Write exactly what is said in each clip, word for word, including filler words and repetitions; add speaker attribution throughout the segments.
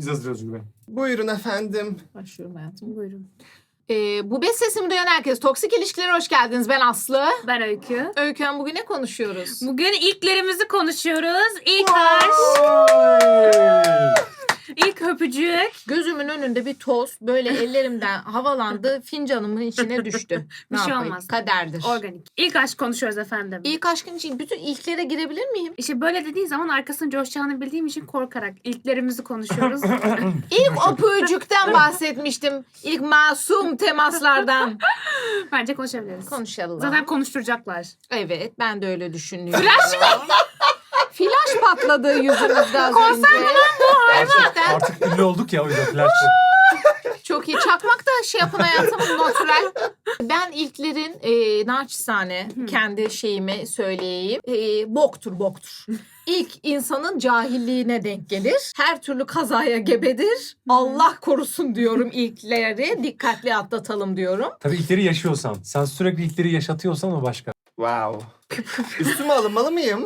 Speaker 1: hazırız Özgür Bey.
Speaker 2: Buyurun efendim.
Speaker 3: Başlıyorum hayatım, buyurun.
Speaker 4: Ee, bu beş sesimi duyan herkes. Toksik ilişkilere hoş geldiniz. Ben Aslı.
Speaker 3: Ben Öykü.
Speaker 4: Öykü Hanım, bugün ne konuşuyoruz?
Speaker 3: Bugün ilklerimizi konuşuyoruz. İlk aşk, ilk öpücük.
Speaker 4: Gözümün önünde bir toz böyle ellerimden havalandı. Fincanımın içine düştü.
Speaker 3: Bir
Speaker 4: Ne
Speaker 3: şey
Speaker 4: yapayım?
Speaker 3: olmaz.
Speaker 4: Kaderdir.
Speaker 3: Organik. İlk aşk konuşuyoruz efendim.
Speaker 4: İlk aşkın için bütün ilklere girebilir miyim?
Speaker 3: İşte böyle dediğin zaman arkasının coşacağını bildiğim için korkarak ilklerimizi konuşuyoruz.
Speaker 4: İlk öpücükten bahsetmiştim. İlk masum temaslardan.
Speaker 3: Bence konuşabiliriz.
Speaker 4: Konuşalım.
Speaker 3: Zaten konuşturacaklar.
Speaker 4: Evet, ben de öyle düşünüyorum. Flash mı? Flash patladı yüzümüzde az önce. Gerçekten.
Speaker 1: Artık ünlü olduk ya o yüzden flash.
Speaker 4: Çok iyi. Çakmak da şey yapın hayatım, natürel. Ben ilklerin e, naçizane kendi şeyimi söyleyeyim. E, boktur boktur. İlk insanın cahilliğine denk gelir. Her türlü kazaya gebedir. Allah korusun diyorum ilkleri. Dikkatli atlatalım diyorum.
Speaker 1: Tabii ilkleri yaşıyorsan. Sen sürekli ilkleri yaşatıyorsan o başka.
Speaker 2: Wow. Üstüme alınmalı mıyım?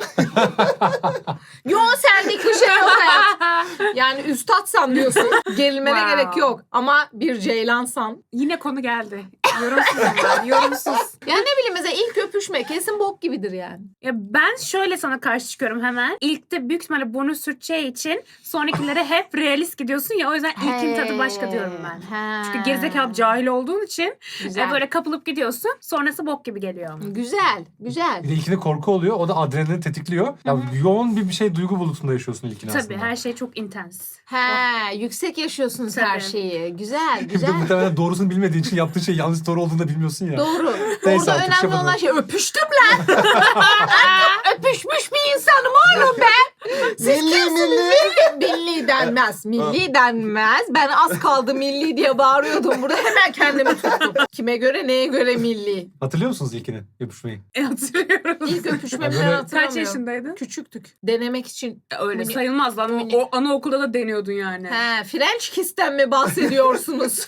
Speaker 4: Yo, senlik bir şey yok hayat. Yani üstadsan diyorsun. Gerilmene
Speaker 3: Wow.
Speaker 4: gerek yok. Ama bir ceylansan.
Speaker 3: Yine konu geldi. Yorumsuz ama yorumsuz.
Speaker 4: Ya ne bileyim, mesela ilk öpüşme kesin bok gibidir yani.
Speaker 3: Ya ben şöyle sana karşı çıkıyorum hemen. İlkte büyük ihtimalle burnu sürteceği için sonrakilere hep realist gidiyorsun ya, o yüzden ilkin tadı başka diyorum ben.
Speaker 4: He.
Speaker 3: Çünkü gerizekalı cahil olduğun için
Speaker 4: Güzel.
Speaker 3: e, böyle kapılıp gidiyorsun. Sonrası bok gibi geliyor ama.
Speaker 4: Güzel, güzel.
Speaker 1: Bir de ilkinde korku oluyor. O da adrenalini tetikliyor. Ya yoğun bir bir şey duygu bulutunda yaşıyorsun ilkini aslında.
Speaker 3: Tabii her şey çok intens.
Speaker 4: He, yüksek yaşıyorsunuz her
Speaker 3: Tabii.
Speaker 4: şeyi. Güzel,
Speaker 1: Bir de
Speaker 4: güzel.
Speaker 1: muhtemelen doğrusunu bilmediğin için yaptığın şey yanlış doğru olduğunu da bilmiyorsun ya.
Speaker 4: Doğru.
Speaker 1: Neyse,
Speaker 4: Orada
Speaker 1: artık
Speaker 4: önemli
Speaker 1: şey
Speaker 4: olan
Speaker 1: yapalım.
Speaker 4: şey öpüştüm lan. Artık öpüşmüş bir insanım oğlum ben. Siz
Speaker 2: Milli,
Speaker 4: kimsiniz?
Speaker 2: milli.
Speaker 4: Milli, milli denmez. Milli denmez. Ben az kaldı milli diye bağırıyordum burada. Hemen kendimi tuttum. Kime göre, neye göre milli?
Speaker 1: Hatırlıyor musunuz ilkini öpüşmeyi?
Speaker 3: E hatırlıyorum.
Speaker 4: İlk öpüşmemi
Speaker 1: Böyle-
Speaker 4: ben
Speaker 3: Kaç
Speaker 4: hatırlamıyorum.
Speaker 3: yaşındaydın?
Speaker 4: Küçüktük. Denemek için.
Speaker 3: Öyle
Speaker 4: Mini-
Speaker 3: sayılmaz lan.
Speaker 4: Mini-
Speaker 3: O anaokulda da deniyordun yani.
Speaker 4: He, French kiss'ten mi bahsediyorsunuz?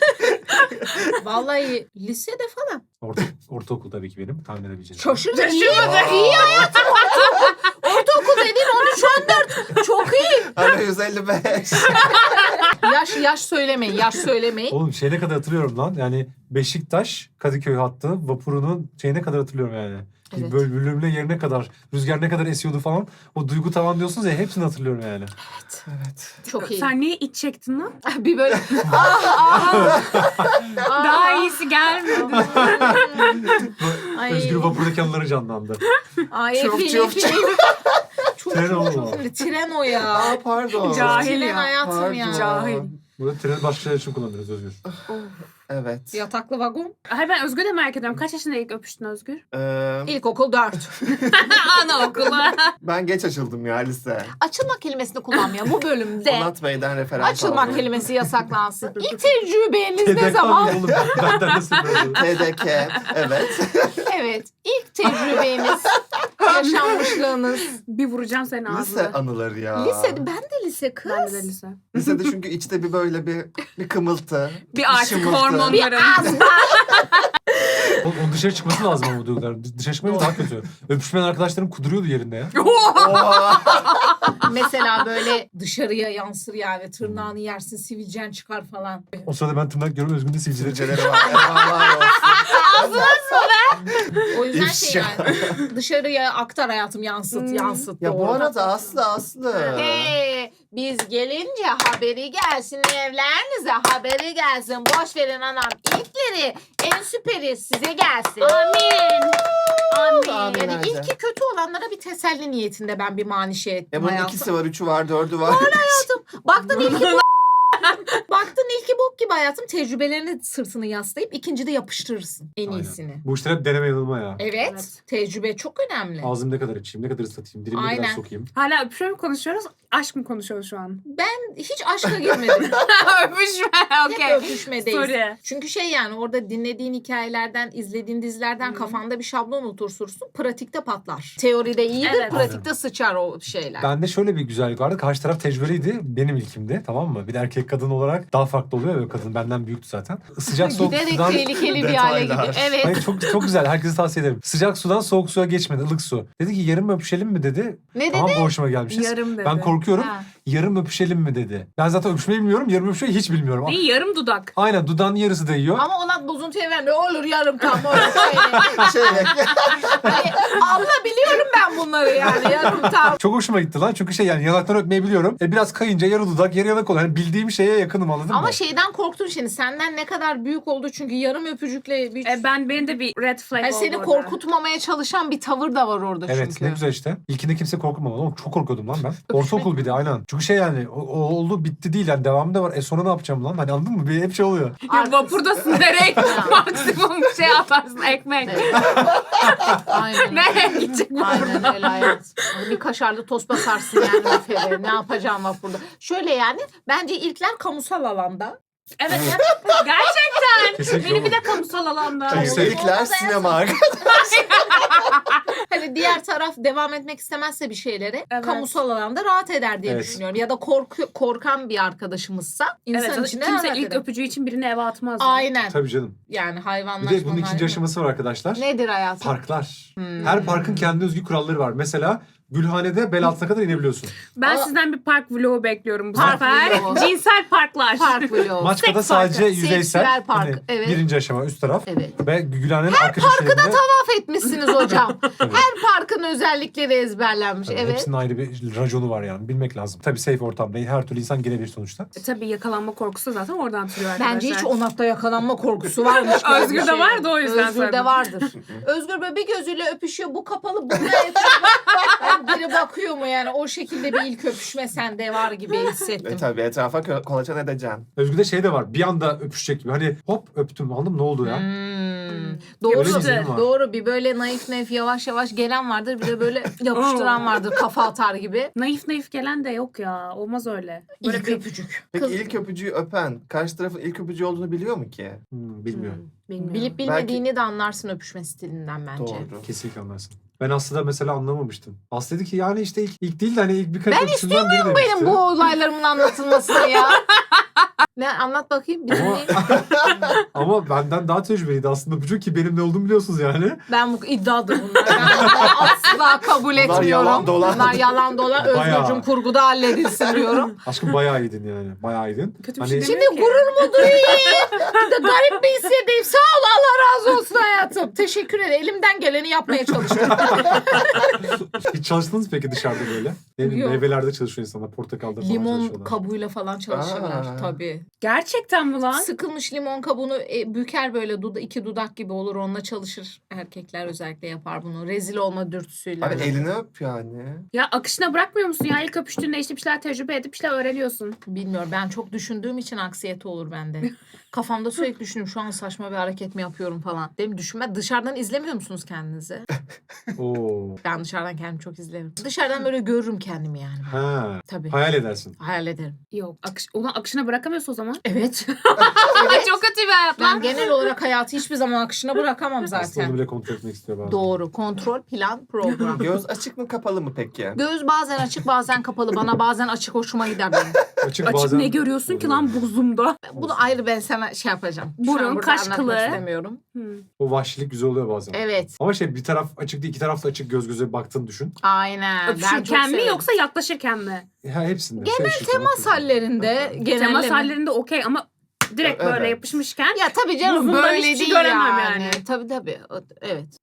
Speaker 4: Vallahi lisede falan.
Speaker 1: Orta, ortaokul tabii ki benim tahmin edebileceğim.
Speaker 4: Şaşırdım. İyi,
Speaker 3: Şaşırmadım.
Speaker 4: iyi hayatım. Ortaokul, ortaokul dediğin on üç on dört. Çok iyi.
Speaker 2: Hani yüz elli beş.
Speaker 4: Yaş yaş söylemeyin. Yaş söylemeyin.
Speaker 1: Oğlum şeyine kadar hatırlıyorum lan. Yani Beşiktaş Kadıköy hattı vapurunun şeyine kadar hatırlıyorum yani.
Speaker 4: Evet.
Speaker 1: Böyle bölümle yerine kadar, rüzgar ne kadar esiyordu falan. O duygu tavan diyorsunuz ya, hepsini hatırlıyorum yani.
Speaker 2: Evet.
Speaker 4: Çok iyi.
Speaker 3: Sen niye iç çektin lan?
Speaker 4: Bir böyle ah ah. ah.
Speaker 3: Daha iyisi gelmedi.
Speaker 4: Ay.
Speaker 1: Özgür vapurdaki anıları canlandı.
Speaker 4: Ay,
Speaker 2: Çok,
Speaker 4: Fili,
Speaker 2: çok,
Speaker 4: Fili. Çok,
Speaker 1: Tren
Speaker 4: çok,
Speaker 1: o.
Speaker 4: çok, Fili. Tren o ya.
Speaker 2: Aa pardon.
Speaker 3: Cahil
Speaker 4: Tren
Speaker 3: ya.
Speaker 4: hayatım
Speaker 2: Pardon.
Speaker 4: ya.
Speaker 3: Cahil.
Speaker 1: Burada treni başka şeyler için kullanırız Özgür.
Speaker 2: Evet.
Speaker 4: Yataklı vagon.
Speaker 3: Hayır, ben Özgür'ü de merak ediyorum. Kaç yaşında ilk öpüştün Özgür?
Speaker 2: Ee,
Speaker 4: İlkokul dört.
Speaker 3: Anaokulu.
Speaker 2: ben geç açıldım ya lise.
Speaker 4: Açılmak kelimesini kullanmıyor bu bölümde.
Speaker 2: Onat Bey'den referans
Speaker 4: Açılmak
Speaker 2: aldım.
Speaker 4: kelimesi yasaklansın. İlk tecrübeniz ne zaman?
Speaker 1: Oğlum benden nasıl böyle?
Speaker 2: T D K. Evet.
Speaker 4: Evet. İlk tecrübeniz, yaşanmışlığınız.
Speaker 3: Bir vuracağım senin
Speaker 2: Lise
Speaker 3: ağzına.
Speaker 2: anıları ya.
Speaker 4: Lisede, ben de lise kız.
Speaker 3: Ben de lise.
Speaker 2: Lisede çünkü içte bir böyle bir bir kımıltı.
Speaker 3: Bir artık
Speaker 2: şımıltı.
Speaker 3: hormonların.
Speaker 1: Oğlum onun dışarı çıkması lazım ama bu duygular. Dışarı çıkmayınca daha kötü. Öpüşmeyen arkadaşlarım kuduruyordu yerinde ya.
Speaker 2: Oha.
Speaker 4: Mesela böyle dışarıya yansır yani. Tırnağını yersin, sivilcen çıkar falan.
Speaker 1: O sırada ben tırnak görüyorum, Özgür'ün de sivilceleri çıkıyor.
Speaker 2: Sivilceleri var. Eyvallah olsun.
Speaker 4: O yüzden
Speaker 2: İfşa.
Speaker 4: şey yani. Dışarıya aktar hayatım, yansıt,
Speaker 3: Hmm.
Speaker 4: yansıt.
Speaker 2: Ya bu
Speaker 4: doğru.
Speaker 2: arada Aslı Aslı.
Speaker 4: Hey, biz gelince haberi gelsin evlerinize, haberi gelsin. Boş verin anam. İlkleri, en süperi size gelsin.
Speaker 3: Amin. Amin.
Speaker 2: Amin.
Speaker 4: Yani
Speaker 2: Bence.
Speaker 4: ilki kötü olanlara bir teselli niyetinde ben bir manişe ettim
Speaker 2: Ya bunun
Speaker 4: hayatım.
Speaker 2: ikisi var, üçü var, dördü var.
Speaker 4: Baktın ilki bok. Baktın ilki bok gibi hayatım, tecrübelerini sırtını yaslayıp ikincide yapıştırırsın en
Speaker 1: Aynen.
Speaker 4: iyisini.
Speaker 1: Bu işler hep deneme yanılma ya.
Speaker 4: Evet,
Speaker 3: Evet.
Speaker 4: tecrübe çok önemli.
Speaker 1: Ağzım ne kadar açayım, ne kadar ıslatayım, dilimi ne kadar
Speaker 4: Aynen.
Speaker 1: sokayım.
Speaker 3: Hala öpüşme mi konuşuyoruz? Aşk mı konuşuyoruz şu an?
Speaker 4: Ben hiç aşka girmedim.
Speaker 3: Öpüşme.
Speaker 4: Hep
Speaker 3: Okey.
Speaker 4: öpüşmedeyiz.
Speaker 3: Sorry.
Speaker 4: Çünkü şey yani orada dinlediğin hikayelerden, izlediğin dizilerden
Speaker 3: Hı.
Speaker 4: kafanda bir şablon oturtursun. Pratikte patlar. Teoride iyidir,
Speaker 3: Evet.
Speaker 4: pratikte sıçar o şeyler.
Speaker 1: Bende şöyle bir güzellik vardı. Karşı taraf tecrübeliydi. Benim ilkimdi, tamam mı? Bir de erkek kadın olarak daha farklı oluyor ya kadın. Benden büyüktü zaten. Sıcak soğuk
Speaker 4: Giderek
Speaker 1: sudan...
Speaker 4: tehlikeli bir hale
Speaker 2: Detaylar.
Speaker 4: gidiyor. Evet.
Speaker 1: Hayır, çok çok güzel. Herkese tavsiye ederim. Sıcak sudan soğuk suya geçmedi. Ilık su. Dedi ki yarım öpüşelim mi dedi.
Speaker 4: Ne dedi?
Speaker 1: Tamam, bu hoşuma gelmişiz.
Speaker 3: Yarım dedi.
Speaker 1: Ben korkuyorum.
Speaker 4: Ha.
Speaker 1: Yarım öpüşelim mi dedi. Ben zaten öpüşmeyi bilmiyorum. Yarım öpüşmeyi hiç bilmiyorum.
Speaker 3: Değil, yarım dudak.
Speaker 1: Aynen, dudağın yarısı değiyor.
Speaker 4: Ama ona bozuntuya vermiyor. Olur yarım tam. Olur. Şöyle.
Speaker 2: Şöyle.
Speaker 4: Hani, abla biliyorum ben bunları yani. Yarım tam.
Speaker 1: Çok hoşuma gitti lan. Çünkü şey yani yanaktan öpmeyi biliyorum. E biraz kayınca yarı dudak, yarı yanak oluyor. Yani bildiğim şeye yakınım, anladın mı?
Speaker 4: Ama şeyden korktun şimdi. Senden ne kadar büyük oldu çünkü yarım öpücükle bir...
Speaker 3: E, ben benim de bir red flag
Speaker 4: Yani
Speaker 3: oldu
Speaker 4: seni
Speaker 3: orada.
Speaker 4: korkutmamaya çalışan bir tavır da var orada
Speaker 1: Evet,
Speaker 4: çünkü.
Speaker 1: ne güzel işte. İlkinde kimse korkmamalı. Oğlum çok korkuyordum lan ben. Ortaokul bir de aynen. Çünkü şey yani o, o oldu bitti değil yani, devamı da var. E sonra ne yapacağım lan? Hani anladın mı? Bir hep şey oluyor.
Speaker 3: Ya vapurdasın, nereye maksimum şey atarsın, ekmek.
Speaker 4: Evet. Aynen.
Speaker 3: Nereye gidecek bu?
Speaker 4: Aynen öyle hayat. Bir kaşarlı tost basarsın yani büfede. Ne yapacağım vapurda? Şöyle yani bence ilkler kamusal alanda.
Speaker 3: Evet, gerçekten.
Speaker 1: Kesinlikle
Speaker 3: Beni bir
Speaker 1: olur.
Speaker 3: de kamusal alanda.
Speaker 1: Kesinlikle.
Speaker 2: İlkler sinema.
Speaker 4: Hani diğer taraf devam etmek istemezse bir şeylere
Speaker 3: Evet.
Speaker 4: kamusal alanda rahat eder diye
Speaker 1: Evet.
Speaker 4: düşünüyorum. Ya da korku, korkan bir arkadaşımızsa insan
Speaker 3: Evet,
Speaker 4: içine
Speaker 3: kimse
Speaker 4: rahat
Speaker 3: ilk
Speaker 4: eder.
Speaker 3: öpücüğü için birini eve atmaz.
Speaker 4: Aynen.
Speaker 1: Tabii canım.
Speaker 4: Yani
Speaker 1: Bir
Speaker 4: hayvanlaşma.
Speaker 1: de bunun ikinci aşaması var arkadaşlar.
Speaker 4: Nedir hayatım?
Speaker 1: Parklar.
Speaker 4: Hmm.
Speaker 1: Her parkın kendi özgü kuralları var. Mesela Gülhane'de bel altına kadar inebiliyorsun.
Speaker 3: Ben
Speaker 4: Aa.
Speaker 3: sizden bir park vlogu bekliyorum bu
Speaker 4: Park
Speaker 3: sefer.
Speaker 4: vlogu.
Speaker 3: Cinsel parklar.
Speaker 4: Park vlogu.
Speaker 1: Maçka'da
Speaker 3: Seks parkı,
Speaker 1: sadece yüzeysel.
Speaker 4: seksüel park,
Speaker 1: Hani
Speaker 4: evet.
Speaker 1: Birinci aşama üst taraf.
Speaker 4: Evet.
Speaker 1: Ve Gülhane'nin arka köşelerinde...
Speaker 4: Tavaf etmişsiniz hocam. Her parkın özellikleri ezberlenmiş.
Speaker 1: Tabii,
Speaker 4: Evet.
Speaker 1: hepsinin ayrı bir raconu var yani. Bilmek lazım. Tabii safe ortam değil. Her türlü insan girebilir sonuçta.
Speaker 3: E, Tabii yakalanma korkusu zaten oradan türüyor arkadaşlar.
Speaker 4: Bence hiç onakta yakalanma korkusu varmış. gibi
Speaker 3: Özgür'de
Speaker 4: bir şey.
Speaker 3: vardı, o yüzden
Speaker 4: Özgür'de
Speaker 3: söyledim.
Speaker 4: vardır. Özgür böyle bir gözüyle öpüşüyor. Bu kapalı. Bunda etrafa yani biri bakıyor mu yani? O şekilde bir ilk öpüşme sende var gibi hissettim.
Speaker 2: E tabii etrafa kö- kolaçan edeceksin.
Speaker 1: Özgür'de şey de var. Bir anda öpüşecek gibi. Hani hop öptüm. Anladın mı? Ne oldu ya?
Speaker 4: Hmm. Doğru.
Speaker 1: Öyle bir izlenim var.
Speaker 4: Doğru. Bir böyle naif naif yavaş yavaş gelen vardır. Bir de böyle yapıştıran vardır. Kafa atar gibi.
Speaker 3: Naif naif gelen de yok ya. Olmaz öyle. Böyle
Speaker 4: İlk
Speaker 3: bir...
Speaker 4: öpücük.
Speaker 2: Peki
Speaker 4: Kız-
Speaker 2: ilk öpücüğü öpen karşı tarafın ilk öpücüğü olduğunu biliyor mu ki?
Speaker 1: Hmm, bilmiyorum.
Speaker 3: Bilmiyorum.
Speaker 4: Bilip bilmediğini de anlarsın öpüşme stilinden bence.
Speaker 2: Doğru.
Speaker 1: Kesinlikle anlarsın. Ben Aslı'da mesela anlamamıştım. Aslı dedi ki yani işte ilk, ilk değil de hani ilk birkaç
Speaker 4: Ben
Speaker 1: öpüşünden biri demişti.
Speaker 4: Benim bu olaylarımın anlatılmasını ya. Ne anlat bakayım. Bir
Speaker 1: Ama,
Speaker 4: dinleyeyim.
Speaker 1: ama benden daha tecrübeliydi aslında öpücük ki benim ne olduğumu biliyorsunuz yani.
Speaker 4: Ben bu iddiadır bunlar. Ben bunları asla kabul etmiyorum.
Speaker 2: yalan dolan.
Speaker 4: Bunlar yalan dolan.
Speaker 1: Bayağı.
Speaker 4: Özgürcüm kurguda halledilsin diyorum.
Speaker 1: Aşkım bayağı iyiydin yani. Bayağı iyiydin.
Speaker 3: Kötü bir
Speaker 1: Hani
Speaker 3: şey
Speaker 4: Şimdi
Speaker 3: demiyor ki.
Speaker 4: gurur mu duyayım? Bir de garip bir hissedeyim. Sağ ol, Allah razı olsun hayatım. Teşekkür ederim. Elimden geleni yapmaya çalıştım.
Speaker 1: hiç çalıştınız mı peki dışarıda böyle? Ne bileyim,
Speaker 4: Yok.
Speaker 1: meyvelerde çalışıyor insanlar. Portakalda falan
Speaker 4: Limon
Speaker 1: çalışıyorlar.
Speaker 4: kabuğuyla falan çalışırlar
Speaker 2: Aa.
Speaker 4: tabii.
Speaker 3: Gerçekten mi lan?
Speaker 4: Sıkılmış limon kabuğunu e, büker böyle duda, iki dudak gibi olur. Onunla çalışır. Erkekler özellikle yapar bunu. Rezil olma dürtüsüyle.
Speaker 2: Abi elini öp yani.
Speaker 3: Ya akışına bırakmıyor musun ya? İlk öpüştüğünde işte bir şeyler tecrübe edip bir şeyler öğreniyorsun.
Speaker 4: Bilmiyorum. Ben çok düşündüğüm için aksiyete olur bende. Kafamda sürekli düşünüyorum. Şu an saçma bir hareket mi yapıyorum falan. Değil mi? Düşünme. Dışarıdan izlemiyor musunuz kendinizi?
Speaker 1: Oo.
Speaker 4: Ben dışarıdan kendimi çok izlerim. Dışarıdan böyle görürüm kendimi yani.
Speaker 1: Ha.
Speaker 4: Tabii.
Speaker 1: Hayal edersin.
Speaker 4: Hayal ederim.
Speaker 3: Yok. Akış, ona akışına bırakamıyorsun o zaman.
Speaker 4: Evet.
Speaker 3: Çok kötü bir hayat
Speaker 4: Ben
Speaker 3: lan.
Speaker 4: genel olarak hayatı hiçbir zaman akışına bırakamam
Speaker 1: Aslında onu
Speaker 4: zaten.
Speaker 1: bile kontrol etmek istiyor bazen.
Speaker 4: Doğru. Kontrol, plan, program.
Speaker 2: Göz açık mı kapalı mı peki?
Speaker 4: Göz bazen açık bazen kapalı. Bana bazen açık hoşuma gider benim.
Speaker 1: Açık,
Speaker 3: Açık
Speaker 1: bazen...
Speaker 3: ne görüyorsun ki lan buzumda?
Speaker 4: Bunu ayrı ben sana şey yapacağım. Şu an
Speaker 3: Burun,
Speaker 4: burada
Speaker 3: kaş
Speaker 4: anlatmak
Speaker 3: kılı.
Speaker 4: istemiyorum.
Speaker 3: Hmm.
Speaker 1: O vahşilik güzel oluyor bazen.
Speaker 4: Evet.
Speaker 1: Ama şey bir taraf açık değil, iki taraf da açık göz göze baktığını düşün.
Speaker 4: Aynen. Ben çok
Speaker 3: Öpüşürken mi
Speaker 4: severim.
Speaker 3: yoksa yaklaşırken mi?
Speaker 1: Ha, hepsinde.
Speaker 4: Genel
Speaker 1: Şey,
Speaker 4: temas hallerinde. Genel
Speaker 3: Temas hallerinde okey ama direkt
Speaker 2: Evet.
Speaker 3: böyle yapışmışken.
Speaker 4: Ya tabii canım
Speaker 3: Buzundan
Speaker 4: böyle
Speaker 3: hiçbir şey
Speaker 4: değil
Speaker 3: göremem
Speaker 4: yani.
Speaker 3: yani.
Speaker 4: Tabii tabii. O- Evet.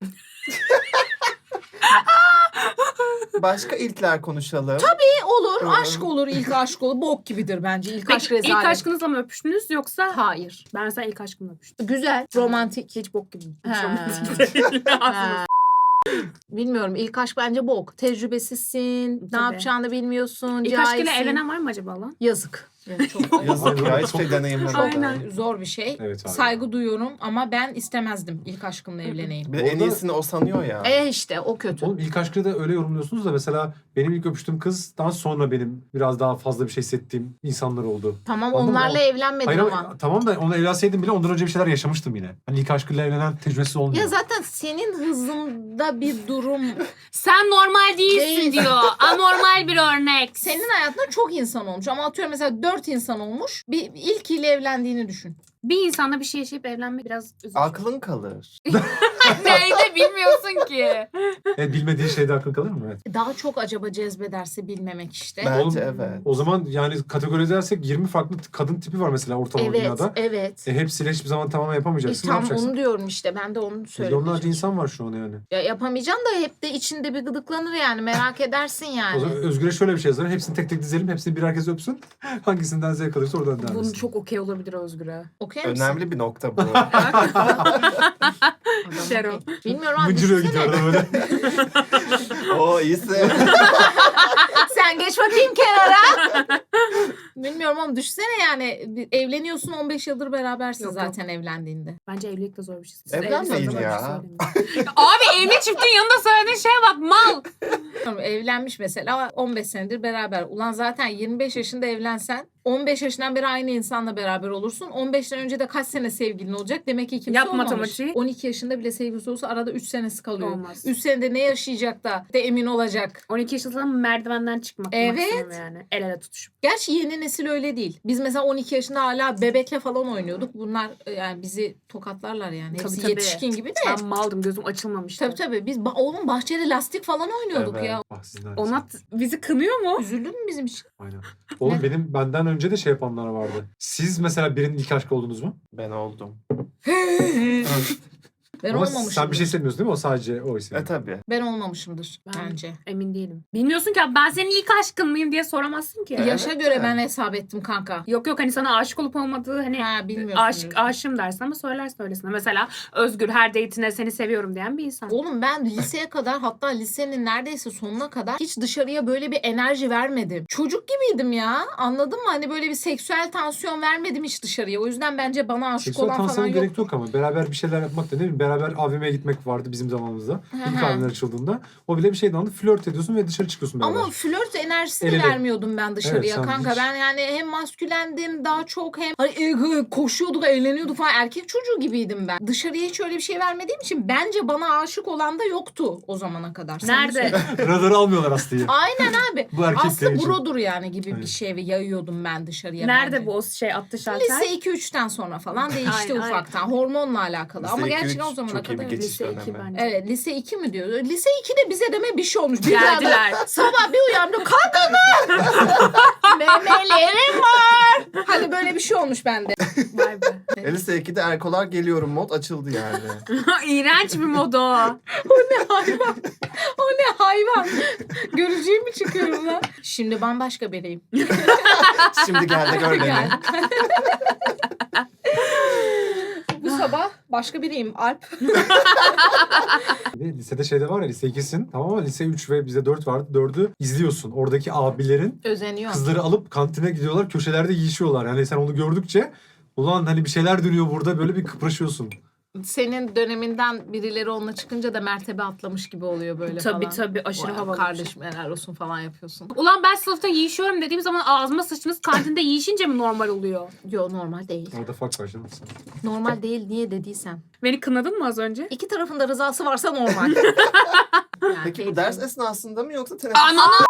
Speaker 2: Başka ilkler konuşalım.
Speaker 4: E, olur.
Speaker 2: Evet.
Speaker 4: Aşk olur. İlk aşk olur. Bok gibidir bence. İlk aşk
Speaker 3: Peki ilk
Speaker 4: rezalet.
Speaker 3: aşkınızla mı öpüştünüz yoksa?
Speaker 4: Hayır.
Speaker 3: Ben mesela ilk aşkımla öpüştüm.
Speaker 4: Güzel. Romantik.
Speaker 3: Hiç bok gibi. Hiç
Speaker 4: Ha.
Speaker 3: romantik değil.
Speaker 4: Ha. Bilmiyorum. İlk aşk bence bok. Tecrübesizsin. Ne
Speaker 3: Tabii.
Speaker 4: yapacağını bilmiyorsun.
Speaker 3: İlk aşkıyla
Speaker 4: cahilsin.
Speaker 3: evlenen var mı acaba lan?
Speaker 4: Yazık. Evet, çok
Speaker 2: Yazık ya
Speaker 1: Aynen.
Speaker 2: hiçbir şey deneyimlemedim.
Speaker 3: Aynen.
Speaker 4: zor bir şey.
Speaker 1: Evet abi.
Speaker 4: Saygı duyuyorum ama ben istemezdim ilk aşkımla evleneyim.
Speaker 2: Bir de en
Speaker 1: Orada-
Speaker 2: iyisini o sanıyor ya.
Speaker 4: E işte o kötü.
Speaker 1: Oğlum ilk aşkı da öyle yorumluyorsunuz da mesela benim ilk öpüştüğüm kızdan sonra benim biraz daha fazla bir şey hissettiğim insanlar oldu.
Speaker 4: Tamam
Speaker 1: Anladın mı?
Speaker 4: onlarla evlenmedim
Speaker 1: Hayır
Speaker 4: ama.
Speaker 1: ama tamam da onunla evlenseydim bile ondan önce bir şeyler yaşamıştım yine. Hani ilk aşkıyla evlenen tecrübesiz olmuyor.
Speaker 4: Ya zaten senin hızında bir durum.
Speaker 3: Sen normal değilsin
Speaker 4: Değil.
Speaker 3: diyor. Anormal bir örnek.
Speaker 4: Senin hayatında çok insan olmuş ama atıyorum mesela dört insan olmuş. Bir ilkiyle evlendiğini düşün.
Speaker 3: Bir insanla bir şey yaşayıp evlenmek biraz üzücü.
Speaker 2: Aklın kalır.
Speaker 3: Neydi bilmiyorsun ki.
Speaker 1: Evet, bilmediğin şeyde aklın kalır mı? Evet.
Speaker 4: Daha çok acaba cezbederse bilmemek işte.
Speaker 2: Bence
Speaker 1: Oğlum,
Speaker 2: evet.
Speaker 1: O zaman yani kategorize edersek yirmi farklı kadın tipi var mesela ortalama
Speaker 4: Evet,
Speaker 1: dünyada.
Speaker 4: evet.
Speaker 1: E, hepsiyle hiçbir zaman tamamen
Speaker 4: E,
Speaker 1: yapamayacaksın. ne
Speaker 4: tam
Speaker 1: yapacaksın?
Speaker 4: onu diyorum işte. Ben de onu söyledim.
Speaker 1: Milyonlarca insan var şu an yani.
Speaker 4: Ya yapamayacaksın da hep de içinde bir gıdıklanır yani. Merak edersin yani.
Speaker 1: O zaman Özgür'e şöyle bir şey yazarım. Hepsini tek tek dizelim. Hepsini bir herkes öpsün. Hangisinden zevk alırsa oradan devam
Speaker 3: Bunu
Speaker 1: etsin.
Speaker 3: çok okey olabilir Özgür'e.
Speaker 4: Okey misin?
Speaker 2: Önemli bir nokta bu.
Speaker 4: Adam
Speaker 3: Şero.
Speaker 4: okey. Bilmiyorum abi.
Speaker 1: Mıncırıyor
Speaker 4: düşünsene.
Speaker 1: gidiyor arada böyle.
Speaker 2: O iyisi.
Speaker 4: Sen geç bakayım kenara. Bilmiyorum ama düşünsene yani bir evleniyorsun on beş yıldır berabersin
Speaker 3: Yok,
Speaker 4: zaten evlendiğinde.
Speaker 3: Bence evlilik de zor bir şey. Siz
Speaker 2: Evlenmeyin
Speaker 3: evli
Speaker 2: ya.
Speaker 3: sanatçı söylemeyin. Abi evli çiftin yanında söylediğin şeye bak mal.
Speaker 4: Evlenmiş mesela on beş senedir beraber. Ulan zaten yirmi beş yaşında evlensen on beş yaşından beri aynı insanla beraber olursun. on beşten önce de kaç sene sevgilin olacak? Demek ki kimse
Speaker 3: Yap
Speaker 4: olmamış.
Speaker 3: matematiği.
Speaker 4: on iki yaşında bile sevgilisi olsa arada üç senesi kalıyor.
Speaker 3: Olmaz.
Speaker 4: üç senede ne yaşayacak da de emin olacak.
Speaker 3: on iki yaşında merdivenden çıkmak
Speaker 4: Evet.
Speaker 3: maksimum yani. El ele tutuşup.
Speaker 4: Gerçi yeni nesil öyle değil. Biz mesela on iki yaşında hala bebekle falan oynuyorduk. Bunlar e, yani bizi tokatlarlar yani.
Speaker 3: Tabii,
Speaker 4: Hepsi
Speaker 3: tabii.
Speaker 4: yetişkin gibi de.
Speaker 3: Ben maldım gözüm açılmamıştı.
Speaker 4: Tabii tabii. Biz ba- oğlum bahçede lastik falan oynuyorduk
Speaker 2: Evet.
Speaker 4: ya.
Speaker 1: Ah, sizin
Speaker 3: Onat bizi kınıyor mu?
Speaker 4: Üzüldün mü bizim için?
Speaker 1: Aynen. Oğlum
Speaker 4: Ne?
Speaker 1: benim benden önce de şey yapanlar vardı. Siz mesela birinin ilk aşkı oldunuz mu?
Speaker 2: Ben oldum.
Speaker 4: Ben
Speaker 1: Ama
Speaker 4: olmamışımdır.
Speaker 1: sen bir şey hissetmiyorsun değil mi? O sadece o hissi.
Speaker 2: E tabii.
Speaker 4: Ben olmamışımdır
Speaker 3: Ben-
Speaker 4: bence.
Speaker 3: Emin değilim. Bilmiyorsun ki abi, ben senin ilk aşkın mıyım diye soramazsın ki.
Speaker 2: Evet.
Speaker 4: Yaşa göre
Speaker 2: de.
Speaker 4: ben hesap ettim kanka.
Speaker 3: Yok yok hani sana aşık olup olmadığı hani
Speaker 4: Ha bilmiyorsun.
Speaker 3: aşık aşığım dersin ama söylersin öylesine. Mesela Özgür her date'ine seni seviyorum diyen bir insan.
Speaker 4: Oğlum ben liseye kadar hatta lisenin neredeyse sonuna kadar hiç dışarıya böyle bir enerji vermedim. Çocuk gibiydim ya. Anladın mı? Hani böyle bir seksüel tansiyon vermedim hiç dışarıya. O yüzden bence bana aşık
Speaker 1: Seksüel
Speaker 4: olan falan
Speaker 1: tansiyona
Speaker 4: yok.
Speaker 1: gerek yok ama beraber bir şeyler yapmak da ne bileyim beraber A V M'ye gitmek vardı bizim zamanımızda. İlk
Speaker 4: hı.
Speaker 1: A V M'ler açıldığında. O bile bir şeydi anladın. Flört ediyorsun ve dışarı çıkıyorsun beraber.
Speaker 4: Ama flört enerjisini
Speaker 1: El ele.
Speaker 4: vermiyordum ben dışarıya
Speaker 1: Evet, sen
Speaker 4: kanka.
Speaker 1: hiç-
Speaker 4: Ben yani hem maskülendim daha çok hem hani, e, koşuyorduk, eğleniyorduk falan. Erkek çocuğu gibiydim ben. Dışarıya hiç öyle bir şey vermediğim için bence bana aşık olan da yoktu o zamana kadar. Sen
Speaker 3: Nerede?
Speaker 4: söyle.
Speaker 1: Radarı almıyorlar Aslı'yı.
Speaker 4: Aynen abi.
Speaker 1: Bu erkek
Speaker 4: Aslında
Speaker 1: değil.
Speaker 4: brodur yani gibi bir
Speaker 1: Aynen.
Speaker 4: şey yayıyordum ben dışarıya.
Speaker 3: Nerede
Speaker 4: bence.
Speaker 3: bu o şey attı şalter?
Speaker 4: Lise iki üçten sonra falan değişti
Speaker 3: Aynen,
Speaker 4: ufaktan. Hormonla alakalı.
Speaker 2: Lise
Speaker 4: Ama
Speaker 2: iki,
Speaker 4: gerçekten
Speaker 2: üç
Speaker 4: o zamana
Speaker 2: çok iyi bir
Speaker 4: kadar.
Speaker 2: geçiş
Speaker 3: Lise iki
Speaker 2: dönemi.
Speaker 3: bence.
Speaker 4: Evet lise iki mi diyor? Lise ikide bize deme bir şey olmuş. Bir
Speaker 3: Geldiler.
Speaker 4: anda sabah bir uyandım. Kalkın lan! Memelerim var. Hani böyle bir şey olmuş bende.
Speaker 3: Vay be.
Speaker 2: E, lise ikide erkolar geliyorum mod açıldı yani.
Speaker 3: İğrenç bir modo.
Speaker 4: O ne hayvan? O ne hayvan? Görücüye mi çıkıyorum lan? Şimdi bambaşka biriyim.
Speaker 2: Şimdi geldi gör beni.
Speaker 4: Gel. Bu sabah başka biriyim. Alp.
Speaker 1: Bir de lisede şeyde var ya lise ikisin tamam ama lise üç ve bize dört vardı. dördü izliyorsun. Oradaki abilerin
Speaker 4: Özeniyor.
Speaker 1: kızları alıp kantine gidiyorlar. Köşelerde yiyişiyorlar. Yani sen onu gördükçe ulan hani bir şeyler dönüyor burada böyle bir kıpraşıyorsun.
Speaker 4: Senin döneminden birileri onunla çıkınca da mertebe atlamış gibi oluyor böyle
Speaker 3: Tabii
Speaker 4: falan.
Speaker 3: tabii aşırı
Speaker 4: Vay,
Speaker 3: havalı. bir şey.
Speaker 4: Kardeşim helal olsun falan yapıyorsun.
Speaker 3: Ulan ben sınıfta yiyişiyorum dediğim zaman ağzıma sıçtınız, kantinde yiyişince mi normal oluyor?
Speaker 4: Yo normal değil.
Speaker 1: Orada fark var canım.
Speaker 4: Normal değil niye dediysen.
Speaker 3: Beni kınadın mı az önce?
Speaker 4: İki tarafında rızası varsa normal. Yani
Speaker 2: Peki bu
Speaker 4: keyifli.
Speaker 2: ders esnasında mı yoksa teneffüs?
Speaker 3: Ananı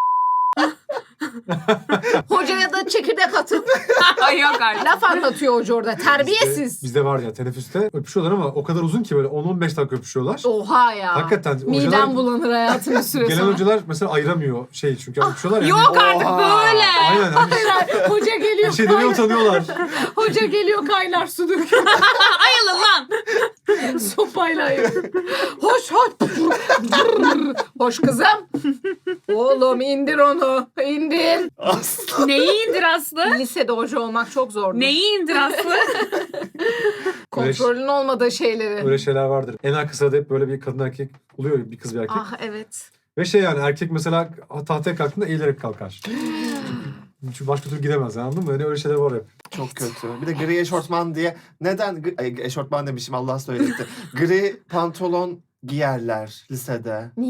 Speaker 4: Hocaya da çekirdek atıp
Speaker 3: yok artık.
Speaker 4: laf anlatıyor hoca orada.
Speaker 1: Bizde,
Speaker 4: Terbiyesiz.
Speaker 1: bizde var ya teneffüste öpüşüyorlar ama o kadar uzun ki böyle on on beş dakika öpüşüyorlar.
Speaker 4: Oha ya.
Speaker 1: Hakikaten
Speaker 4: Midem
Speaker 1: hocalar,
Speaker 4: bulanır hayatım bir süre
Speaker 1: gelen
Speaker 4: sonra.
Speaker 1: hocalar mesela ayıramıyor şey çünkü öpüşüyorlar ya.
Speaker 3: Yok artık
Speaker 2: Oha.
Speaker 3: böyle.
Speaker 1: Aynen hani
Speaker 4: Hoca geliyor.
Speaker 1: bir şey demeye
Speaker 4: kaynar-
Speaker 1: utanıyorlar.
Speaker 4: Hoca geliyor kaynar su döküyor.
Speaker 3: Ayılın lan.
Speaker 4: Sopayla ayırıyor. Hoş hoş. Hoş kızım. Oğlum indir onu. İndir.
Speaker 2: Asla.
Speaker 3: Neyi indir Aslı?
Speaker 4: Lisede hoca olmak çok zordu.
Speaker 3: Neyi indir Aslı?
Speaker 4: Kontrolün olmadığı şeyleri.
Speaker 1: Öyle şeyler vardır. En arka sırada hep böyle bir kadın erkek oluyor bir kız bir erkek.
Speaker 4: Ah evet.
Speaker 1: Ve şey yani erkek mesela tahtaya kalktığında eğilerek kalkar. Çünkü başka türlü gidemez anladın mı? Yani öyle şeyler var hep.
Speaker 2: Çok kötü. Bir de gri eşortman diye. Neden? gri- Ay, eşortman demişim Allah söyletti. Gri pantolon giyerler lisede.
Speaker 4: Niye?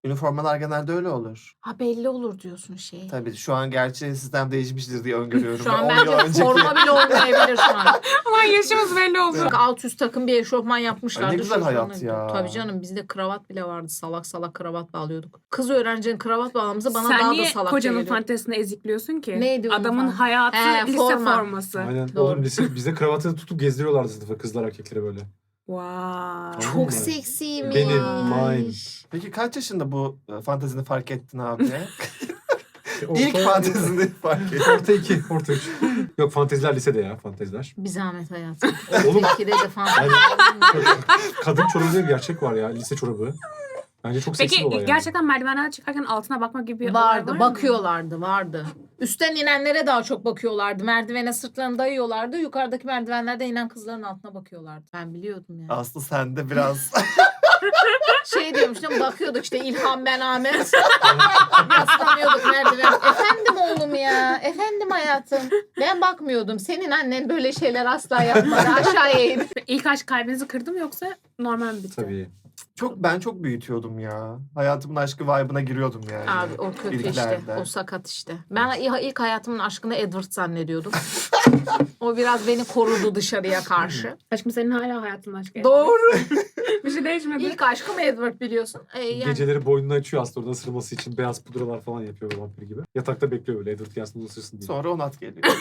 Speaker 2: Üniformalar genelde öyle olur.
Speaker 4: Ha belli olur diyorsun şey.
Speaker 2: Tabii şu an gerçi sistem değişmiştir diye öngörüyorum.
Speaker 4: Şu an
Speaker 2: on yıl
Speaker 4: bence
Speaker 2: önceki-
Speaker 4: forma bile olmayabilir şu an.
Speaker 3: Aman yaşımız belli oldu.
Speaker 4: Bak alt üst takım bir eşofman yapmışlardı.
Speaker 2: Ay ne güzel
Speaker 4: Şofmanla
Speaker 2: hayat
Speaker 4: gidiyor.
Speaker 2: ya.
Speaker 4: Tabii canım bizde kravat bile vardı. Salak salak kravat bağlıyorduk. Kız öğrencinin kravat bağlaması bana
Speaker 3: Sen
Speaker 4: daha da
Speaker 3: niye
Speaker 4: salak
Speaker 3: kocanın
Speaker 4: geliyor.
Speaker 3: fantezisini ezikliyorsun ki?
Speaker 4: Neydi onun
Speaker 3: Adamın
Speaker 4: fantezi?
Speaker 3: hayatı
Speaker 4: He,
Speaker 3: lise
Speaker 4: forma.
Speaker 3: forması.
Speaker 1: Aynen.
Speaker 4: Doğru.
Speaker 1: Oğlum lise, bizde kravatı tutup gezdiriyorlardı sınıfa kızlar erkeklere böyle.
Speaker 3: Wow.
Speaker 1: Anladın
Speaker 4: Çok
Speaker 1: mı?
Speaker 4: seksiymiş.
Speaker 1: Benim, mine.
Speaker 2: Peki kaç yaşında bu e, fantezini fark ettin abi?
Speaker 1: Orta-
Speaker 2: İlk fantezini fark ettin.
Speaker 1: Orta iki, orta üç. Yok fanteziler lisede ya fanteziler.
Speaker 4: Bir zahmet hayatım.
Speaker 1: Oğlum
Speaker 4: İkide de fantezi.
Speaker 1: kadın çorabı diye bir gerçek var ya lise çorabı. Bence çok seksi
Speaker 3: Peki
Speaker 1: bir olay yani.
Speaker 3: gerçekten merdivenlerden çıkarken altına bakmak gibi bir olay
Speaker 4: Vardı,
Speaker 3: var mı?
Speaker 4: bakıyorlardı, vardı. Üstten inenlere daha çok bakıyorlardı. Merdivene sırtlarını dayıyorlardı. Yukarıdaki merdivenlerden inen kızların altına bakıyorlardı. Ben biliyordum yani.
Speaker 2: Aslı sen de biraz
Speaker 4: Şey diyormuştum, bakıyorduk işte İlhan ben Ahmet. Yaslanıyorduk merdiven. Efendim oğlum ya, efendim hayatım. Ben bakmıyordum. Senin annen böyle şeyler asla yapmadı. Aşağıya in.
Speaker 3: İlk aşk kalbinizi kırdı mı yoksa normal mi bitti?
Speaker 1: Tabii.
Speaker 2: çok ben çok büyütüyordum ya. Hayatımın aşkı vibe'ına giriyordum yani.
Speaker 4: Abi o kötü işte.
Speaker 2: İlklerde.
Speaker 4: O sakat işte. Ben ilk hayatımın aşkını Edward zannediyordum. O biraz beni korudu dışarıya karşı.
Speaker 3: Aşkım senin hala hayatın aşkı.
Speaker 4: Doğru.
Speaker 3: Bir şey değişmedi.
Speaker 4: İlk aşkım Edward biliyorsun. Ee, yani
Speaker 1: Geceleri boynunu açıyor aslında oradan ısırması için beyaz pudralar falan yapıyor böyle vampir gibi. Yatakta bekliyor böyle Edward gelsin onu ısırsın diye.
Speaker 2: Sonra Onat geliyor.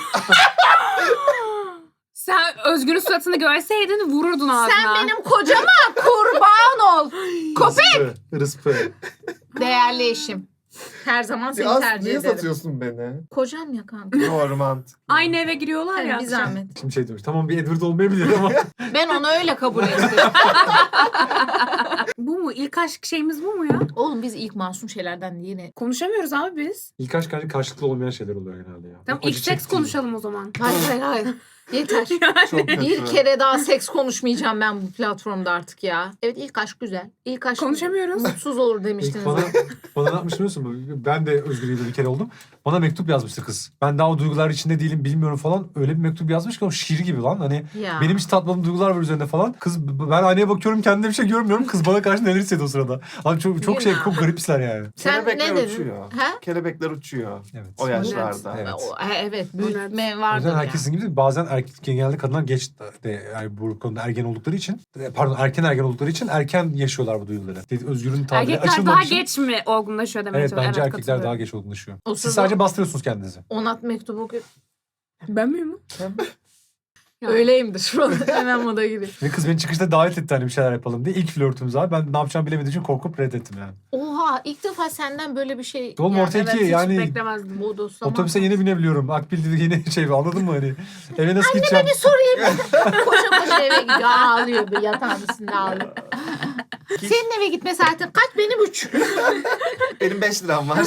Speaker 3: Sen Özgür'ün suratını görseydin vururdun ağzına.
Speaker 4: sen benim kocama kurban ol. Köpek.
Speaker 1: Rıspı, rıspı.
Speaker 4: Değerli eşim. Her zaman seni
Speaker 2: Ya Aslı
Speaker 4: tercih
Speaker 2: niye
Speaker 4: ederim.
Speaker 2: satıyorsun beni?
Speaker 4: Kocam ya kanka.
Speaker 2: Normant.
Speaker 3: Aynı eve giriyorlar
Speaker 4: Yani
Speaker 3: ya.
Speaker 4: bir zahmet.
Speaker 1: Şimdi şey demiş tamam bir Edward olmayabilir ama
Speaker 4: Ben onu öyle kabul ettim.
Speaker 3: Bu mu? İlk aşk şeyimiz bu mu ya?
Speaker 4: Oğlum biz ilk masum şeylerden yine.
Speaker 3: Konuşamıyoruz abi biz.
Speaker 1: ilk aşk bence karşılıklı olmayan şeyler oluyor genelde ya.
Speaker 3: Tamam
Speaker 1: Acı
Speaker 3: ilk seks
Speaker 1: çektiğin-
Speaker 3: konuşalım o zaman.
Speaker 4: Hayır hayır hayır. Yeter.
Speaker 2: Çok kötü.
Speaker 4: Bir kere daha seks konuşmayacağım ben bu platformda artık ya. Evet ilk aşk güzel. İlk aşk
Speaker 3: Konuşamıyoruz.
Speaker 4: mutsuz olur
Speaker 1: İlk
Speaker 4: demiştiniz.
Speaker 1: bana, bana ne yapmış biliyorsun mu? Ben de Özgür'üyle bir kere oldum. Bana mektup yazmıştı kız. Ben daha o duygular içinde değilim bilmiyorum falan. Öyle bir mektup yazmış ki o şiir gibi lan. Hani
Speaker 4: Ya.
Speaker 1: benim hiç tatmadığım duygular var üzerinde falan. Kız ben aynaya bakıyorum kendimde bir şey görmüyorum. Kız bana karşı neler hissediyor o sırada. Abi çok, çok şey
Speaker 4: Günah.
Speaker 1: çok garip hisler yani.
Speaker 4: Sen
Speaker 2: Kelebekler
Speaker 4: ne dedin?
Speaker 2: uçuyor.
Speaker 4: He?
Speaker 2: Kelebekler uçuyor.
Speaker 1: Evet.
Speaker 2: O yaşlarda.
Speaker 1: Evet.
Speaker 4: O- he, evet büyütme
Speaker 1: O
Speaker 4: vardır
Speaker 1: yüzden
Speaker 4: ya.
Speaker 1: herkesin gibi değil, bazen erkek genelde kadınlar geç de yani bu konuda ergen oldukları için e, pardon erken ergen oldukları için erken yaşıyorlar bu duyguları. Dedi, Özgür'ün tabiri
Speaker 3: Erkekler daha
Speaker 1: açılmamış.
Speaker 3: geç mi olgunlaşıyor demeye
Speaker 1: Evet
Speaker 3: çalışıyorum.
Speaker 1: bence erkekler daha
Speaker 3: katılıyorum.
Speaker 1: geç olgunlaşıyor.
Speaker 4: O
Speaker 1: Siz
Speaker 4: sırada-
Speaker 1: sadece bastırıyorsunuz kendinizi.
Speaker 4: Onat mektubu oku-
Speaker 3: Ben miyim? Ya.
Speaker 4: Öyleyimdir. Hemen moda gibi.
Speaker 1: Ve kız beni çıkışta davet etti hani bir şeyler yapalım diye. İlk flörtümüz abi. Ben ne yapacağımı bilemediğim için korkup reddettim yani.
Speaker 4: Oha ilk defa senden böyle bir şey.
Speaker 1: Oğlum
Speaker 4: yani,
Speaker 1: ortaya
Speaker 3: Evet
Speaker 1: iki
Speaker 3: hiç
Speaker 1: yani
Speaker 3: beklemezdim.
Speaker 4: bodoslama.
Speaker 1: otobüse yeni binebiliyorum. Akbil dedi yeni şey anladın mı hani? Eve nasıl gideceğim?
Speaker 4: Bir sorayım. koşa koşa eve gidiyor. Ağlıyor bir yatağın üstünde ağlıyor. Senin eve gitme saatin kaç? Benim üç.
Speaker 2: Benim beş liram var.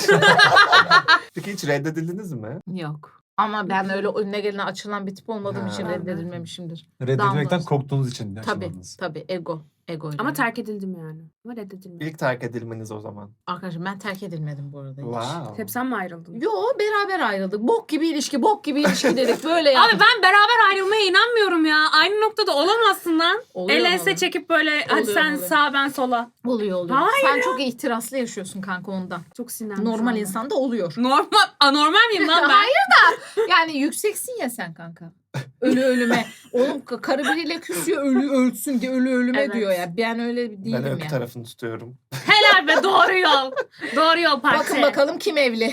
Speaker 2: Peki hiç reddedildiniz mi?
Speaker 4: Yok. Ama ben öyle önüne gelene açılan bir tip olmadığım
Speaker 2: Ha.
Speaker 4: için reddedilmemişimdir.
Speaker 1: Reddedilmekten
Speaker 4: Damlası.
Speaker 1: korktuğunuz için
Speaker 4: Tabii
Speaker 1: yaşlandınız.
Speaker 4: tabii ego. Ego.
Speaker 3: Ama terk edildim yani. Ama reddedilmedim.
Speaker 2: İlk terk edilmeniz o zaman.
Speaker 4: Arkadaşım ben terk edilmedim bu arada hiç.
Speaker 2: Wow.
Speaker 3: Hep sen mi ayrıldın?
Speaker 4: Yo beraber ayrıldık. Bok gibi ilişki, bok gibi ilişki dedik. Böyle yaptık.
Speaker 3: Abi ben beraber ayrılmaya inanmıyorum ya. Aynı noktada olamazsın lan.
Speaker 4: Oluyor
Speaker 3: El
Speaker 4: mu?
Speaker 3: ense çekip böyle hadi
Speaker 4: Oluyor,
Speaker 3: sen
Speaker 4: oluyor.
Speaker 3: sağ ben sola.
Speaker 4: Oluyor oluyor.
Speaker 3: Hayır
Speaker 4: Sen çok ihtiraslı yaşıyorsun kanka ondan.
Speaker 3: Çok sinirlendim.
Speaker 4: Normal
Speaker 3: şu anda.
Speaker 4: insanda oluyor.
Speaker 3: Normal, anormal miyim lan ben?
Speaker 4: Hayır da yani yükseksin ya sen kanka. Ölü ölüme. Oğlum ka- karı biriyle küsüyor ölü ölsün diye ölü ölüme
Speaker 3: Evet.
Speaker 4: diyor ya. Ben öyle değilim
Speaker 2: Ben öykü
Speaker 4: yani.
Speaker 2: tarafını tutuyorum.
Speaker 3: Helal be doğru yol. Doğru yol parti.
Speaker 4: Bakın bakalım kim evli.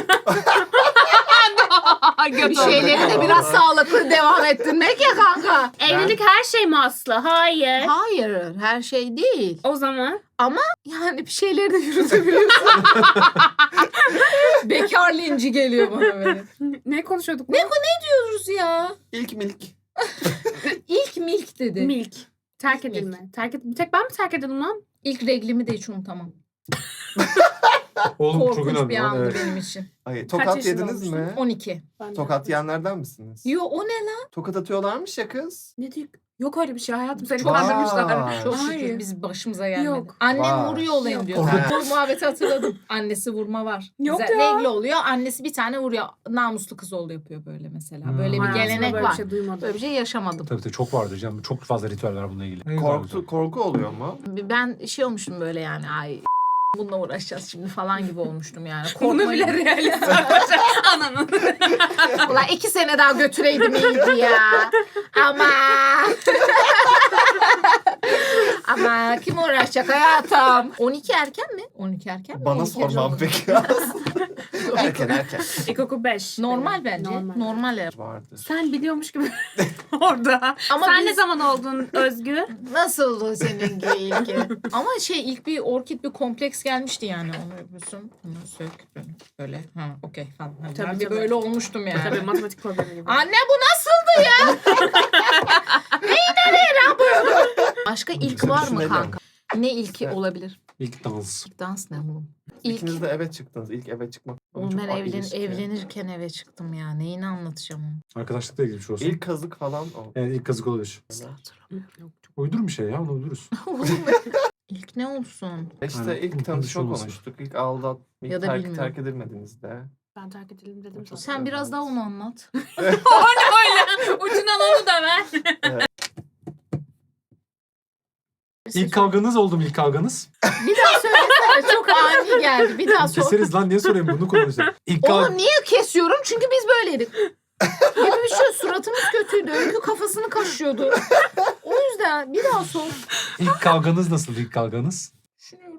Speaker 3: Göt
Speaker 4: Bir
Speaker 3: oldu.
Speaker 4: şeyleri de biraz sağlıklı devam ettirmek ya kanka.
Speaker 3: Evlilik her şey mi Aslı? Hayır.
Speaker 4: Hayır her şey değil.
Speaker 3: O zaman
Speaker 4: Yani bir şeyleri de yürütebiliyorsun. Bekar linci geliyor bana böyle.
Speaker 3: ne konuşuyorduk?
Speaker 4: Ne diyoruz ya?
Speaker 2: İlk milk.
Speaker 4: İlk milk dedi.
Speaker 3: Milk. Terk
Speaker 4: Milk.
Speaker 3: edilme. Terk et bir tek ben mi terk edildim lan?
Speaker 4: İlk reglimi de hiç unutamam.
Speaker 1: Oğlum çok
Speaker 4: Korkunç
Speaker 1: önemli
Speaker 4: bir
Speaker 1: lan,
Speaker 4: andı
Speaker 1: evet.
Speaker 4: benim için.
Speaker 2: Ay, tokat
Speaker 3: yaşında
Speaker 2: yediniz mi?
Speaker 3: olmuştun?
Speaker 4: on iki.
Speaker 3: Ben de-
Speaker 2: Tokat yiyenlerden misiniz?
Speaker 4: Yo o ne lan?
Speaker 2: Tokat atıyorlarmış ya kız.
Speaker 3: Ne diyor? Yok öyle bir şey hayatım. Seni
Speaker 2: Vay.
Speaker 3: kandırmışlar.
Speaker 4: Çok
Speaker 3: Hayır.
Speaker 4: şükür biz başımıza gelmedi.
Speaker 3: Yok.
Speaker 4: Annem
Speaker 2: Vay.
Speaker 4: vuruyor olayım
Speaker 3: Yok.
Speaker 4: diyor.
Speaker 2: Orada-
Speaker 4: Bu muhabbeti hatırladım. Annesi vurma var.
Speaker 3: Yok
Speaker 4: Güzel.
Speaker 3: ya.
Speaker 4: Regl oluyor. Annesi bir tane vuruyor. Namuslu kız oğlu yapıyor böyle mesela.
Speaker 1: Hmm.
Speaker 4: Böyle bir
Speaker 3: Hayatımda
Speaker 4: gelenek
Speaker 3: böyle
Speaker 4: var.
Speaker 3: bir şey duymadım.
Speaker 4: Böyle bir şey yaşamadım.
Speaker 1: Tabii tabii çok vardır canım. Çok fazla ritüel var bununla ilgili.
Speaker 2: Korktu, korku oluyor mu?
Speaker 4: Ben şey olmuşum böyle yani ay bununla uğraşacağız şimdi falan gibi olmuştum yani.
Speaker 3: Bunu bile
Speaker 4: Korkmayın.
Speaker 3: realist Ananın.
Speaker 4: Ulan iki sene daha götüreydim iyiydi ya. Ama. Ama kim uğraşacak hayatım? on iki erken mi? on iki erken mi?
Speaker 2: Bana
Speaker 4: on iki
Speaker 2: sormam
Speaker 4: erken mi?
Speaker 2: peki. erken erken.
Speaker 3: İlkokul beş.
Speaker 4: Normal bence.
Speaker 3: Normal.
Speaker 4: Normal. ev.
Speaker 2: Vardır.
Speaker 3: Sen biliyormuş gibi orada.
Speaker 4: Ama
Speaker 3: Sen
Speaker 4: biz-
Speaker 3: ne zaman oldun Özgü?
Speaker 4: Nasıldı seninki ilki? Ama şey ilk bir orkid bir kompleks gelmişti yani. Onu yapıyorsun. Bunu sök. Böyle. Ha okey falan. Hani
Speaker 3: Tabii,
Speaker 4: ben bir
Speaker 3: tabii.
Speaker 4: böyle olmuştum yani.
Speaker 3: Tabii matematik problemi gibi.
Speaker 4: Anne bu nasıldı ya? Neyi nereye ne yapıyorsun? Başka ilk
Speaker 2: Güzel
Speaker 4: var mı
Speaker 2: düşünelim.
Speaker 4: kanka? Ne ilki
Speaker 2: Evet.
Speaker 4: olabilir?
Speaker 1: İlk dans.
Speaker 4: İlk dans ne oğlum? İlk.
Speaker 2: İkiniz de eve çıktınız. İlk eve çıkmak.
Speaker 4: Oğlum
Speaker 2: çok
Speaker 4: ben
Speaker 2: ağır
Speaker 4: evlen,
Speaker 2: ilişki.
Speaker 4: evlenirken eve çıktım ya. Neyini anlatacağım onu?
Speaker 1: Arkadaşlıkla ilgili bir şey olsun.
Speaker 2: İlk kazık falan o.
Speaker 1: Yani ilk kazık olabilir. Uydur bir şey ya, onu uydururuz.
Speaker 4: İlk ne olsun?
Speaker 2: İşte
Speaker 1: Aynen.
Speaker 2: ilk
Speaker 1: Unutulmuş
Speaker 2: tanışma
Speaker 1: olması.
Speaker 2: konuştuk. İlk aldat, ilk
Speaker 4: Ya da
Speaker 2: terk,
Speaker 4: bilmiyorum.
Speaker 2: terk edilmediğinizde.
Speaker 3: Ben terk edelim dedim sana.
Speaker 4: Sen biraz daha onu anlat.
Speaker 3: O ne öyle? Ucundan onu da ver.
Speaker 1: İlk kavganız oldu mu ilk kavganız?
Speaker 4: Bir daha söylesene. Çok ani geldi. Bir daha sor.
Speaker 1: Keseriz lan, niye sorayım bunu konuşalım. İlk kav...
Speaker 4: Oğlum niye kesiyorum? Çünkü biz böyleydik. Gibi bir şey. Suratımız kötüydü. Öykü kafasını kaşıyordu. O yüzden bir daha sor.
Speaker 1: İlk kavganız nasıl ilk kavganız?
Speaker 4: Düşünüyorum.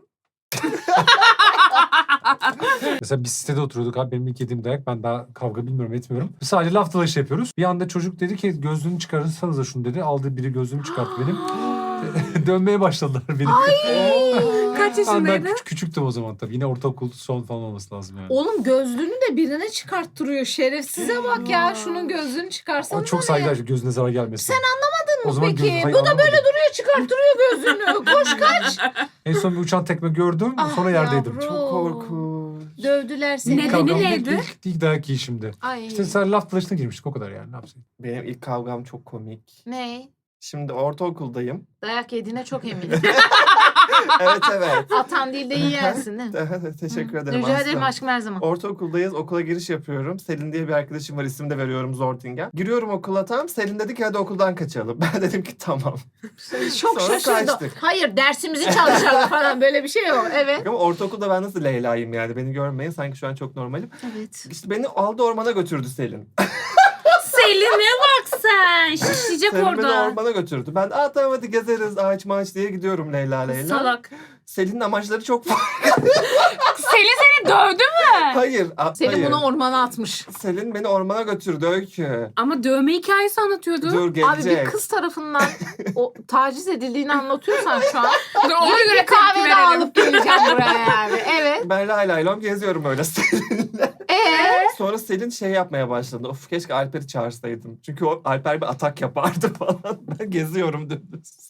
Speaker 1: Mesela biz sitede oturuyorduk abi, benim ilk yediğim dayak, ben daha kavga bilmiyorum etmiyorum. Sadece laf dalaşı yapıyoruz. Bir anda çocuk dedi ki gözlüğünü çıkarırsanız da şunu dedi. Aldı biri gözlüğümü çıkarttı benim. Dönmeye başladılar beni.
Speaker 3: Kaç
Speaker 1: Ben, ben
Speaker 3: yaşındaydın?
Speaker 1: küç- küçüktüm o zaman tabii. Yine ortaokul son falan olması lazım yani.
Speaker 4: Oğlum gözlüğünü de birine çıkarttırıyor. Şerefsize bak ya. Şunun gözlüğünü çıkarsana.
Speaker 1: Ama çok saygılar, gözüne zarar gelmesin.
Speaker 4: Sen anlamadın mı
Speaker 1: O zaman
Speaker 4: peki?
Speaker 1: gözü- hayır,
Speaker 4: Bu da
Speaker 1: anlamadım.
Speaker 4: böyle duruyor, çıkarttırıyor gözlüğünü. Koş kaç.
Speaker 1: En son bir uçan tekme gördüm,
Speaker 4: Ah
Speaker 1: sonra yerdeydim.
Speaker 4: yavrum.
Speaker 2: Çok korkunç.
Speaker 4: Dövdüler seni.
Speaker 1: İlk
Speaker 3: Nedeni
Speaker 1: kavgam
Speaker 3: neydi?
Speaker 1: ilk, ilk, ilk dayak yiyişimdi.
Speaker 4: Ay.
Speaker 1: İşte sen laf dalaşına girmiştik, o kadar yani, ne yapsaydım.
Speaker 2: Benim ilk kavgam çok komik.
Speaker 4: Ne?
Speaker 2: Şimdi ortaokuldayım.
Speaker 4: Dayak yediğine çok eminim.
Speaker 2: Evet evet.
Speaker 4: Atan değil de yersin değil mi?
Speaker 2: Teşekkür
Speaker 4: Hı.
Speaker 2: ederim
Speaker 4: Rica ederim
Speaker 2: aslım.
Speaker 4: aşkım her zaman.
Speaker 2: Ortaokuldayız. Okula giriş yapıyorum. Selin diye bir arkadaşım var. İsim de veriyorum, Zortingen. Giriyorum okula tam. Selin dedi ki hadi okuldan kaçalım. Ben dedim ki tamam.
Speaker 4: Çok
Speaker 2: Sonra
Speaker 4: şaşırdım.
Speaker 2: kaçtık.
Speaker 4: Hayır dersimizi çalışalım falan böyle bir şey yok. Evet.
Speaker 2: Ama ortaokulda ben nasıl Leyla'yım yani. Beni görmeyin. Sanki şu an çok normalim.
Speaker 4: Evet.
Speaker 2: İşte beni aldı ormana götürdü Selin.
Speaker 3: Selin'e bak sen. Şişecek
Speaker 2: Selin beni
Speaker 3: orada.
Speaker 2: ormana götürdü. Ben aa tamam hadi gezeriz ağaç maaç diye gidiyorum Leyla Leyla.
Speaker 3: Salak.
Speaker 2: Selin'in amaçları çok farklı.
Speaker 3: Selin seni dövdü mü?
Speaker 2: Hayır. a-
Speaker 4: Seni
Speaker 2: hayır.
Speaker 4: bunu ormana atmış.
Speaker 2: Selin beni ormana götürdü Öykü.
Speaker 3: Ama dövme hikayesi anlatıyordu.
Speaker 2: Dur
Speaker 4: Abi
Speaker 2: gelecek.
Speaker 4: bir kız tarafından o taciz edildiğini anlatıyorsan şu an.
Speaker 3: Dur, ona
Speaker 4: Gidip
Speaker 3: göre
Speaker 4: bir kahve
Speaker 3: tepki
Speaker 4: de
Speaker 3: verelim.
Speaker 4: alıp geleceğim buraya yani. Evet.
Speaker 2: Ben lay lay lom geziyorum öyle Selin'le.
Speaker 4: Ee?
Speaker 2: Sonra Selin şey yapmaya başladı. Of keşke Alper'i çağırsaydım. Çünkü o Alper bir atak yapardı falan. Ben geziyorum dümdüz.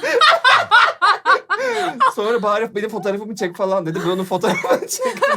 Speaker 2: Sonra bari benim fotoğrafımı çek falan dedi. Ben onun fotoğrafını çektim.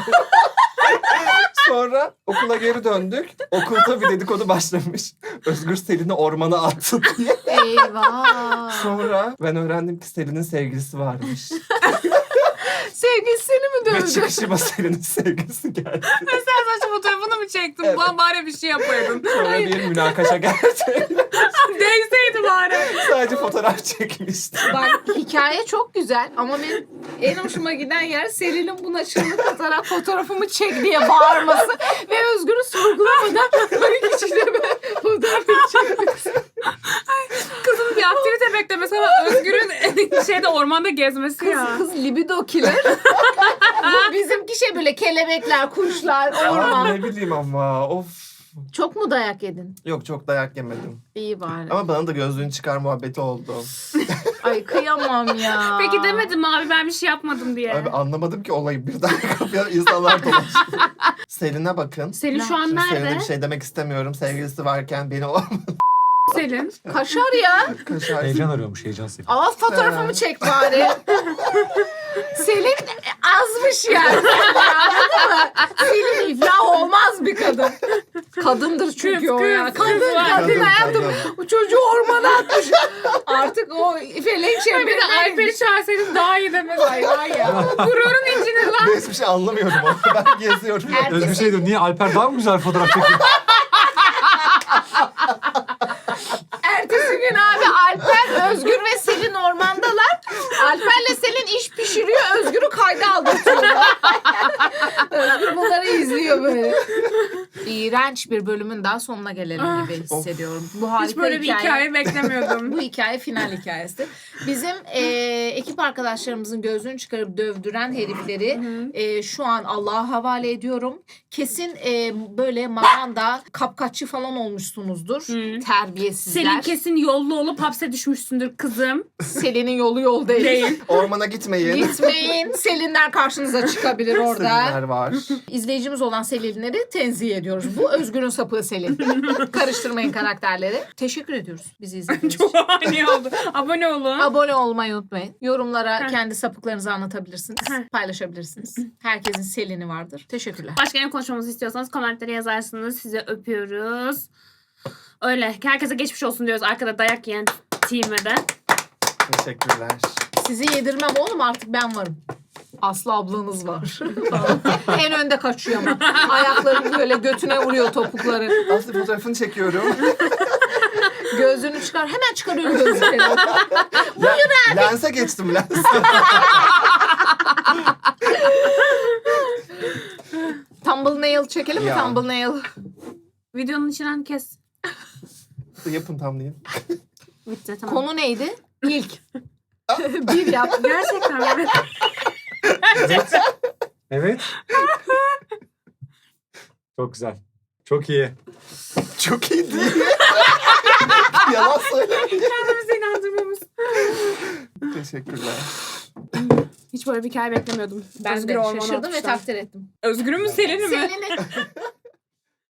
Speaker 2: Sonra okula geri döndük. Okulda bir dedikodu başlamış. Özgür Selin'i ormana attı diye.
Speaker 4: Eyvah.
Speaker 2: Sonra ben öğrendim ki Selin'in sevgilisi varmış.
Speaker 4: Sevgilisi seni mi
Speaker 2: Ve
Speaker 4: dövdü?
Speaker 2: çıkışıma Selin'in sevgilisi geldi.
Speaker 3: Sen saçma fotoğrafını mı çektin?
Speaker 2: Evet.
Speaker 3: Bana bari bir şey yapaydın.
Speaker 2: Sonra bir münakaşa gerçekten.
Speaker 3: Değseydi bari.
Speaker 2: Sadece fotoğraf çekmişti.
Speaker 4: Bak hikaye çok güzel ama benim en hoşuma giden yer Selin'in buna çığlık atarak fotoğrafımı çek diye bağırması ve Özgür'ü sorgulamadan böyle kişiyle ben fotoğrafını çekmesi.
Speaker 3: Kızın bir aktivite beklemesi ama Özgür'ün şeyde ormanda gezmesi
Speaker 4: Kız,
Speaker 3: ya.
Speaker 4: kız libido killer. Bu bizimki şey böyle kelebekler, kuşlar,
Speaker 2: Aa,
Speaker 4: orman.
Speaker 2: ne bileyim ama of.
Speaker 4: Çok mu dayak yedin?
Speaker 2: Yok çok dayak yemedim.
Speaker 4: İyi bari.
Speaker 2: Ama bana da gözlüğünü çıkar muhabbeti oldu.
Speaker 4: Ay kıyamam ya.
Speaker 3: Peki demedim mi abi ben bir şey yapmadım diye.
Speaker 2: Abi anlamadım ki olayı birden kapıya insanlar dolaştı. Selin'e bakın.
Speaker 3: Selin şu an
Speaker 2: Şimdi
Speaker 3: nerede?
Speaker 2: Selin'e bir şey demek istemiyorum. Sevgilisi varken beni o
Speaker 3: Selin.
Speaker 4: Kaşar ya.
Speaker 2: kaşar.
Speaker 1: Heyecan arıyormuş, heyecan Selin.
Speaker 4: Al fotoğrafımı çek bari. Selin azmış yani. Anladın mı? Selin iflah olmaz bir kadın. Kadındır çünkü
Speaker 3: Kız,
Speaker 4: o
Speaker 3: kız,
Speaker 4: ya.
Speaker 3: kız
Speaker 4: Kadın,
Speaker 3: var.
Speaker 4: kadın
Speaker 2: Kadın,
Speaker 4: hayatım.
Speaker 2: kadın.
Speaker 4: Bu çocuğu ormana atmış. Artık o felek
Speaker 3: Bir de
Speaker 4: çemberinden
Speaker 3: Alper'i çağırsaydın daha iyi demez.
Speaker 4: Ay var ya.
Speaker 3: Gururun incinir lan.
Speaker 2: Ben hiçbir şey anlamıyorum ama ben geziyorum.
Speaker 4: Erkek-
Speaker 1: Özgür şey diyor, niye Alper daha mı güzel fotoğraf çekiyor?
Speaker 4: Ertesi gün abi Alper, Özgür ve Selin ormandalar. Alper'le Selin iş pişiriyor. Özgür'ü kayda aldırtıyorlar. Özgür bunları izliyor böyle. İğrenç bir bölümün daha sonuna gelelim gibi hissediyorum. Bu harika
Speaker 3: Hiç böyle bir hikaye beklemiyordum.
Speaker 4: Bu hikaye final hikayesi. Bizim e, ekip arkadaşlarımızın gözünü çıkarıp dövdüren herifleri e, şu an Allah'a havale ediyorum. Kesin e, böyle maganda kapkaççı falan olmuşsunuzdur.
Speaker 3: Hı.
Speaker 4: Terbiyesizler.
Speaker 3: Senin kesin yollu olup hapse düşmüşsündür kızım.
Speaker 4: Selin'in yolu yol değil.
Speaker 3: Değil.
Speaker 2: Ormana gitmeyin.
Speaker 4: Gitmeyin. Selinler karşınıza çıkabilir orada.
Speaker 2: Selinler var.
Speaker 4: İzleyicimiz olan Selinleri tenzih ediyoruz. Bu Özgür'ün sapığı Selin. Karıştırmayın karakterleri. Teşekkür ediyoruz bizi izlediğiniz için.
Speaker 3: Çok ani oldu. Abone olun.
Speaker 4: Abone olmayı unutmayın. Yorumlara
Speaker 3: Heh.
Speaker 4: kendi sapıklarınızı anlatabilirsiniz.
Speaker 3: Heh.
Speaker 4: Paylaşabilirsiniz. Herkesin Selin'i vardır. Teşekkürler.
Speaker 3: Başka ne konuşmamızı istiyorsanız komentlere yazarsınız. Size öpüyoruz. Öyle. Herkese geçmiş olsun diyoruz arkada dayak yiyen team'e de.
Speaker 2: Teşekkürler.
Speaker 4: Sizi yedirmem oğlum, artık ben varım. Aslı ablanız var. En önde kaçıyor ama. Ayakları böyle götüne vuruyor topukları.
Speaker 2: Aslı fotoğrafını çekiyorum.
Speaker 4: Gözünü çıkar. Hemen çıkarıyorum gözlükleri.
Speaker 2: Le- lense geçtim lens.
Speaker 4: Thumbnail çekelim mi?
Speaker 2: Ya.
Speaker 4: Thumbnail.
Speaker 3: Videonun içinden kes.
Speaker 2: Yapın tam diye.
Speaker 3: Bitti tamam.
Speaker 4: Konu neydi? İlk. Bir yap.
Speaker 3: Gerçekten mi?
Speaker 1: Evet. Evet. Çok güzel. Çok iyi.
Speaker 2: Çok iyi değil mi? Yalan söylemiyor.
Speaker 3: Kendimizi inandırmamız.
Speaker 2: Teşekkürler.
Speaker 3: Hiç böyle bir hikaye beklemiyordum.
Speaker 4: Ben
Speaker 3: Özgür
Speaker 4: de
Speaker 3: Orman
Speaker 4: şaşırdım ve
Speaker 3: Alkışlar.
Speaker 4: takdir ettim.
Speaker 3: Özgür'ü mü Selin'i mi?
Speaker 4: Selin'i